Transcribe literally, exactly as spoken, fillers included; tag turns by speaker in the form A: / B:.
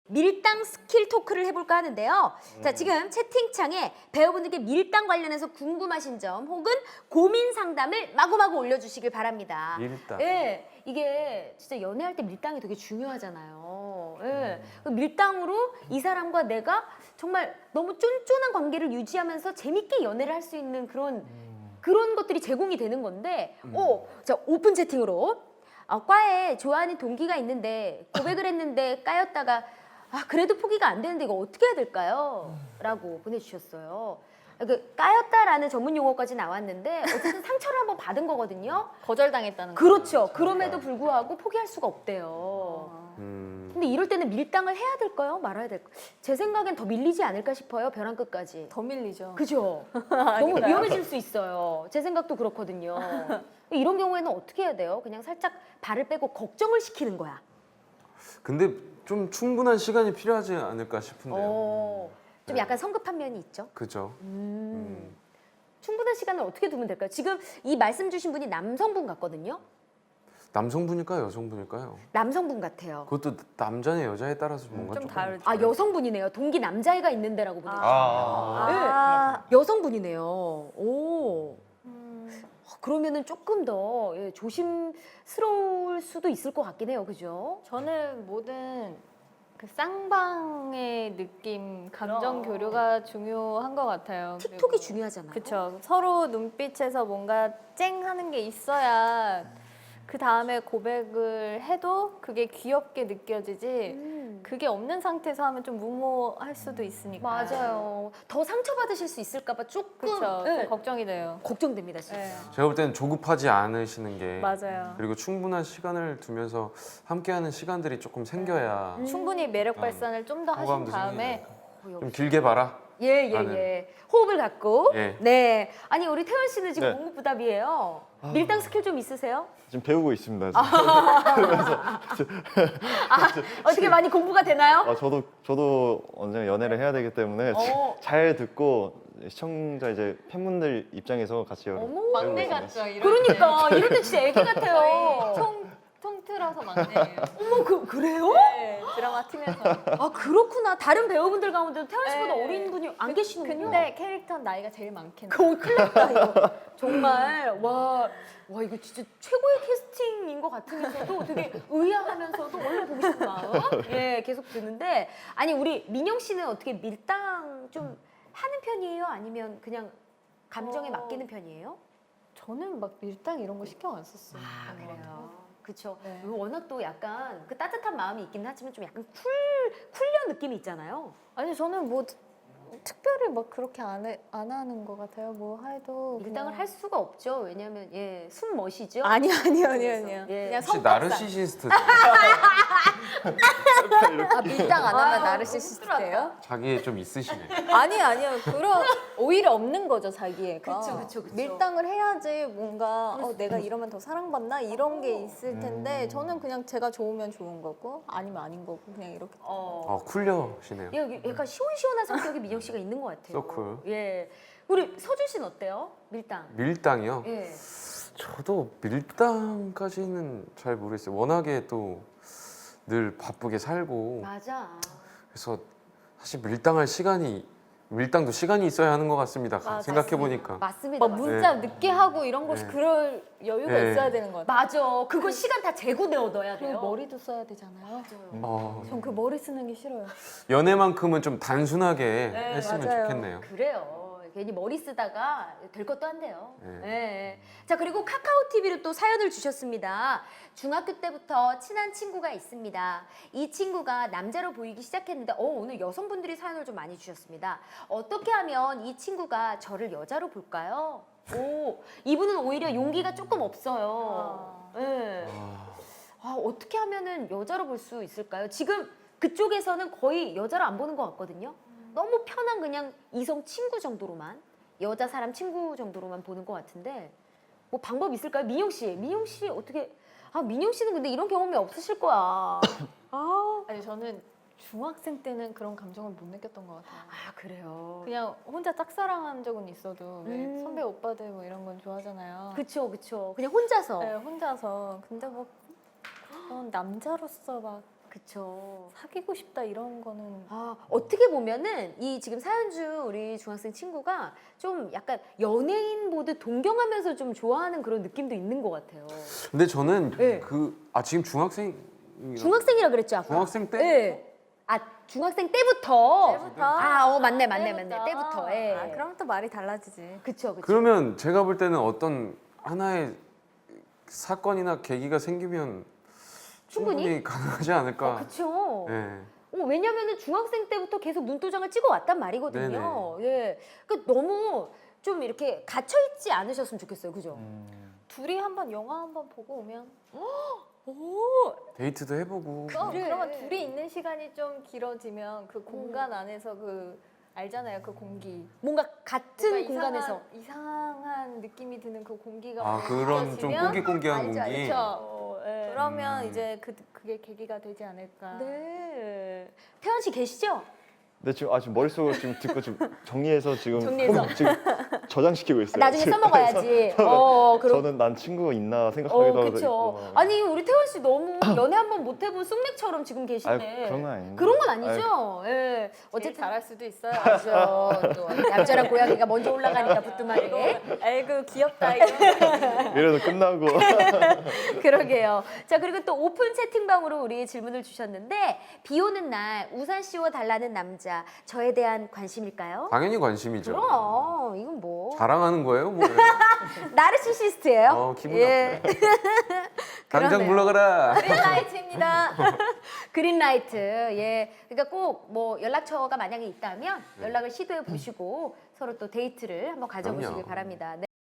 A: 밀당 스킬 토크를 해볼까 하는데요. 음. 자, 지금 채팅창에 배우분들께 밀당 관련해서 궁금하신 점 혹은 고민 상담을 마구마구 올려주시길 바랍니다.
B: 밀당.
A: 예, 이게 진짜 연애할 때 밀당이 되게 중요하잖아요. 예, 그 밀당으로 이 사람과 내가 정말 너무 쫀쫀한 관계를 유지하면서 재밌게 연애를 할 수 있는 그런 그런 것들이 제공이 되는 건데,
B: 음.
A: 오, 자 오픈 채팅으로 어, 과에 좋아하는 동기가 있는데 고백을 했는데 까였다가 아 그래도 포기가 안 되는데 이거 어떻게 해야 될까요? 라고 보내주셨어요. 그 까였다라는 전문 용어까지 나왔는데 어쨌든 상처를 한번 받은 거거든요.
C: 거절당했다는 거.
A: 그렇죠. 그럼에도 불구하고 포기할 수가 없대요.
B: 음.
A: 근데 이럴 때는 밀당을 해야 될까요? 말아야 될까요? 제 생각엔 더 밀리지 않을까 싶어요. 벼랑 끝까지.
C: 더 밀리죠.
A: 그죠? 너무 위험해질 수 있어요. 제 생각도 그렇거든요. 이런 경우에는 어떻게 해야 돼요? 그냥 살짝 발을 빼고 걱정을 시키는 거야.
B: 근데 좀 충분한 시간이 필요하지 않을까 싶은데요.
A: 어, 좀
B: 네.
A: 약간 성급한 면이 있죠.
B: 그죠?
A: 음.
B: 음.
A: 충분한 시간을 어떻게 두면 될까요? 지금 이 말씀 주신 분이 남성분 같거든요.
B: 남성분일까요? 여성분일까요?
A: 남성분 같아요.
B: 그것도 남자냐 여자에 따라서 뭔가
C: 좀
B: 조금
C: 다르죠.
A: 아 여성분이네요. 동기 남자애가 있는 데라고 보내주셨어요.
C: 아.
A: 네. 여성분이네요. 오.
C: 음.
A: 어, 그러면은 조금 더 예, 조심스러울 수도 있을 것 같긴 해요. 그죠?
C: 저는 모든 그 쌍방의 느낌, 감정
A: 그럼.
C: 교류가 중요한 것 같아요.
A: 틱톡이 중요하잖아요.
C: 그렇죠. 서로 눈빛에서 뭔가 쨍 하는 게 있어야 그 다음에 고백을 해도 그게 귀엽게 느껴지지.
A: 음.
C: 그게 없는 상태에서 하면 좀 무모할 수도 있으니까.
A: 맞아요. 더 상처받으실 수 있을까봐 조금
C: 그렇죠.
A: 예,
C: 좀 걱정이 돼요.
A: 걱정됩니다, 진짜.
C: 네.
B: 제가 볼 때는 조급하지 않으시는 게
C: 맞아요.
B: 그리고 충분한 시간을 두면서 함께하는 시간들이 조금 생겨야
A: 음.
C: 충분히 매력
B: 음.
C: 발산을 좀 더 하신
B: 호감도
C: 다음에
A: 어,
B: 좀 길게 봐라.
A: 예, 예,
B: 나는.
A: 예. 호흡을 갖고.
B: 예.
A: 네. 아니, 우리 태연 씨는 지금
D: 네.
A: 공부부답이에요. 밀당 스킬 좀 있으세요?
D: 지금 배우고 있습니다. 지금.
A: 어떻게 많이 공부가 되나요?
D: 아, 저도 저도 언젠가 연애를 해야 되기 때문에
A: 어.
D: 잘 듣고 시청자 이제 팬분들 입장에서 같이 여러
A: 어머.
C: 막내
D: 배우고
C: 같죠. 이럴
A: 그러니까 이럴 때 진짜 애기
C: 때.
A: 같아요.
C: 통 통틀어서 막내예요.
A: 어머, 그, 그래요?
C: 네, 드라마 팀에서.
A: 아, 그렇구나. 다른 배우분들 가운데도 태연 씨보다
C: 네.
A: 어린 분이 안 계시는군요.
C: 근데 캐릭터는 나이가 제일 많겠네.
A: 그거 큰일 났다, 이거. 정말, 와, 와, 이거 진짜 최고의 캐스팅인 것 같으면서도 되게 의아하면서도 얼른 보고 싶은 마음. 예, 계속 드는데. 아니, 우리 민영 씨는 어떻게 밀당 좀 하는 편이에요? 아니면 그냥 감정에
C: 어.
A: 맡기는 편이에요?
C: 저는 막 밀당 이런 거 신경 안 썼어요.
A: 아, 그래요. 그쵸.
C: 네.
A: 워낙 또 약간 그 따뜻한 마음이 있긴 하지만 좀 약간 쿨, 쿨려 느낌이 있잖아요.
C: 아니 저는 뭐 특- 특별히 막 그렇게 안, 해, 안 하는 것 같아요. 뭐 해도
A: 밀당을
C: 그냥-
A: 할 수가 없죠. 왜냐면, 예, 숨 멋이죠.
C: 아니 아니요 아니요 아니요.
A: 예.
C: 그냥
B: 혹시
C: 성격상.
B: 나르시시스트
C: 아 밀당 안 하면
A: 아,
C: 나르시시스트예요?
B: 자기에 좀 있으시네.
C: 아니 아니요 그런 오히려 없는 거죠 자기애가.
A: 그쵸, 그쵸, 그쵸.
C: 밀당을 해야지 뭔가 어, 내가 이러면 더 사랑받나 이런 게 있을 텐데
B: 음.
C: 저는 그냥 제가 좋으면 좋은 거고 아니면 아닌 거고 그냥 이렇게.
A: 어.
B: 어 쿨려시네요.
A: 여기 약간 시원시원한 성격이 민영 씨가 있는 것 같아요.
B: So cool.
A: 예. 우리 서준 씨는 어때요? 밀당.
B: 밀당이요?
A: 예.
B: 저도 밀당까지는 잘 모르겠어요. 워낙에 또 늘 바쁘게 살고
A: 맞아.
B: 그래서 사실 밀당할 시간이 밀당도 시간이 있어야 하는 것 같습니다.
C: 맞아.
B: 생각해 보니까.
A: 맞습니다.
C: 막
A: 맞습니다.
C: 문자 늦게 하고 이런 거
B: 네.
C: 그럴 여유가
B: 네.
C: 있어야 되는 것 같아요.
A: 맞아. 그거 시간 다 재고 내어둬야 돼요.
C: 그리고 머리도 써야 되잖아요.
B: 어,
C: 전 그 머리 쓰는 게 싫어요.
B: 연애만큼은 좀 단순하게
A: 네,
B: 했으면
C: 맞아요.
B: 좋겠네요.
A: 그래요. 괜히 머리 쓰다가 될 것도 한데요.
B: 네.
A: 예. 자, 그리고 카카오 티비로 또 사연을 주셨습니다. 중학교 때부터 친한 친구가 있습니다. 이 친구가 남자로 보이기 시작했는데 어, 오늘 여성분들이 사연을 좀 많이 주셨습니다. 어떻게 하면 이 친구가 저를 여자로 볼까요? 오, 이분은 오히려 용기가 조금 없어요. 예.
B: 아,
A: 아, 어떻게 하면은 여자로 볼 수 있을까요? 지금 그쪽에서는 거의 여자로 안 보는 것 같거든요. 너무 편한 그냥 이성 친구 정도로만 여자 사람 친구 정도로만 보는 것 같은데 뭐 방법 있을까요? 민영 씨, 민영 씨 어떻게? 아 민영 씨는 근데 이런 경험이 없으실 거야. 아,
C: 아니 저는 중학생 때는 그런 감정을 못 느꼈던 것 같아요.
A: 아 그래요.
C: 그냥 혼자 짝사랑한 적은 있어도 왜
A: 음.
C: 선배 오빠들 뭐 이런 건 좋아하잖아요.
A: 그쵸 그쵸. 그냥 혼자서.
C: 네, 혼자서. 근데 뭐 그런 남자로서 막
A: 그쵸.
C: 사귀고 싶다 이런 거는
A: 아, 어떻게 보면은 이 지금 사연주 우리 중학생 친구가 좀 약간 연예인 보듯 동경하면서 좀 좋아하는 그런 느낌도 있는 것 같아요.
B: 근데 저는
A: 네.
B: 그 아 지금 중학생
A: 중학생이라 그랬죠 아까.
B: 중학생 때?
A: 네. 아 중학생 때부터.
C: 때부터?
A: 아, 어 맞네 맞네
C: 때부터.
A: 맞네 때부터. 예.
C: 아, 그럼 또 말이 달라지지.
A: 그쵸 그쵸.
B: 그러면 제가 볼 때는 어떤 하나의 사건이나 계기가 생기면
A: 충분히?
B: 충분히 가능하지 않을까.
A: 어, 그쵸.
B: 예.
A: 어, 왜냐면은 중학생 때부터 계속 눈도장을 찍어 왔단 말이거든요. 예. 그 너무 좀 이렇게 갇혀 있지 않으셨으면 좋겠어요. 그죠?
D: 음,
C: 둘이 한번 영화 한번 보고 오면
A: 오.
B: 데이트도 해보고.
C: 그,
A: 그래.
C: 그러면 둘이 있는 시간이 좀 길어지면 그 공간 안에서 그 알잖아요 그 공기
A: 뭔가 같은
C: 뭔가
A: 공간에서.
C: 이상한, 이상한 느낌이 드는 그 공기가
B: 아 그런 좀
C: 느껴지면
B: 꽁기꽁기한
A: 알죠,
B: 공기.
A: 알죠.
C: 그쵸.
A: 어, 예.
C: 그러면
B: 음.
C: 이제 그, 그게 계기가 되지 않을까.
A: 네. 태연 씨 계시죠?
D: 근데 지금 아 지금 머릿속으로 지금 듣고 지금 정리해서 지금
A: 정리해서.
D: 홈- 지금 저장시키고 있어요.
A: 나중에
D: 지금.
A: 써먹어야지. 어, 그럼.
D: 저는 난 친구가 있나 생각하기도
A: 어,
D: 하고
A: 그쵸.
D: 있고.
A: 아니, 우리 태원 씨 너무 연애 한 번 못 해본 쑥맥처럼 지금
D: 아
A: 계신데.
D: 그런 건 아닌데.
A: 그런 건 아니죠. 예.
C: 제일
A: 어쨌든.
C: 잘할 수도 있어요.
A: 알죠. 또 얌전한 고양이가 먼저 올라가니까 부뚜막에.
C: 아이고 귀엽다 이거.
D: 이래도 끝나고.
A: 그러게요. 자, 그리고 또 오픈 채팅방으로 우리 질문을 주셨는데, 비 오는 날 우산 씌워 달라는 남자, 저에 대한 관심일까요?
B: 당연히 관심이죠.
A: 그럼, 이건 뭐.
B: 자랑하는 거예요? 뭐.
A: 나르시시스트예요?
B: 어, 기분
A: 예.
B: 당장
A: 그러네요.
B: 물러가라.
C: 그린라이트입니다.
A: 그린라이트. 예. 그러니까 꼭 뭐 연락처가 만약에 있다면
B: 네.
A: 연락을 시도해 보시고 서로 또 데이트를 한번 가져보시길
B: 그럼요.
A: 바랍니다. 네.